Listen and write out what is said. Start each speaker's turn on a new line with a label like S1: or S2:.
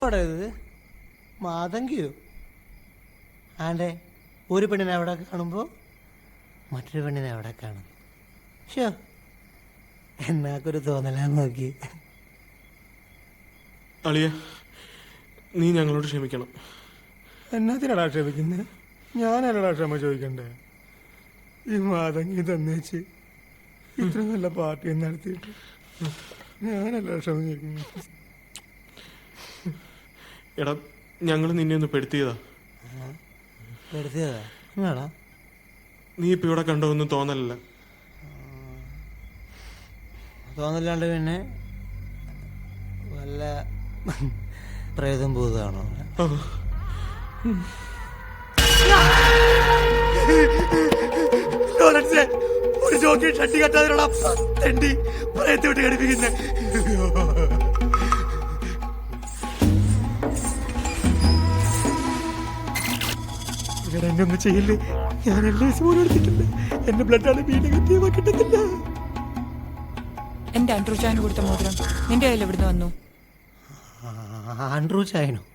S1: ഇത് മാതങ്കിയോ ആണ്ടെ ഒരു പെണ്ണിനെ അവിടെ കാണുമ്പോൾ മറ്റൊരു പെണ്ണിനെ അവിടെ കാണും. ഷോ എന്നാക്കൊരു തോന്നലാന്ന് നോക്കി.
S2: അളിയ, നീ ഞങ്ങളോട് ക്ഷമിക്കണം.
S3: എന്നാത്തിനടാ ക്ഷമിക്കുന്നത്? ഞാനല്ലടാ ക്ഷമ ചോദിക്കണ്ടേ? ഈ മാതങ്ങി തന്നേച്ച് ഇത്ര നല്ല പാർട്ടി നടത്തിയിട്ട് ഞാനല്ല ക്ഷമ ചോദിക്കുന്നത്.
S2: എടാ, ഞങ്ങൾ നിന്നെ ഒന്ന് പെടുത്തിയതാ.
S1: പെടുത്തിയതാ? എന്നാടാ
S2: നീ ഇപ്പം ഇവിടെ കണ്ടതൊന്നും തോന്നലല്ല.
S1: തോന്നല്ലാണ്ട് പിന്നെ വല്ല പ്രേതം ഭൂതമാണോ?
S3: ഒരു ജോക്കി ഷട്ടി കെട്ടാതിനുള്ള തെണ്ടി പ്രയത്ത് വിട്ട് ഘടിപ്പിക്കുന്നേ. എന്നെ ഒന്നും ചെയ്യില്ലേ? ഞാൻ LIC പോലും എടുത്തിട്ടില്ല. എന്റെ ബ്ലഡാണ് ബി നെഗറ്റീവ് കിട്ടുന്നില്ല.
S4: എന്റെ ആൻഡ്രൂ ചായന് കൊടുത്ത മോതിരം നിന്റെ കയ്യിൽ എവിടുന്ന് വന്നു?
S1: ആൻഡ്രൂ ചായനോ?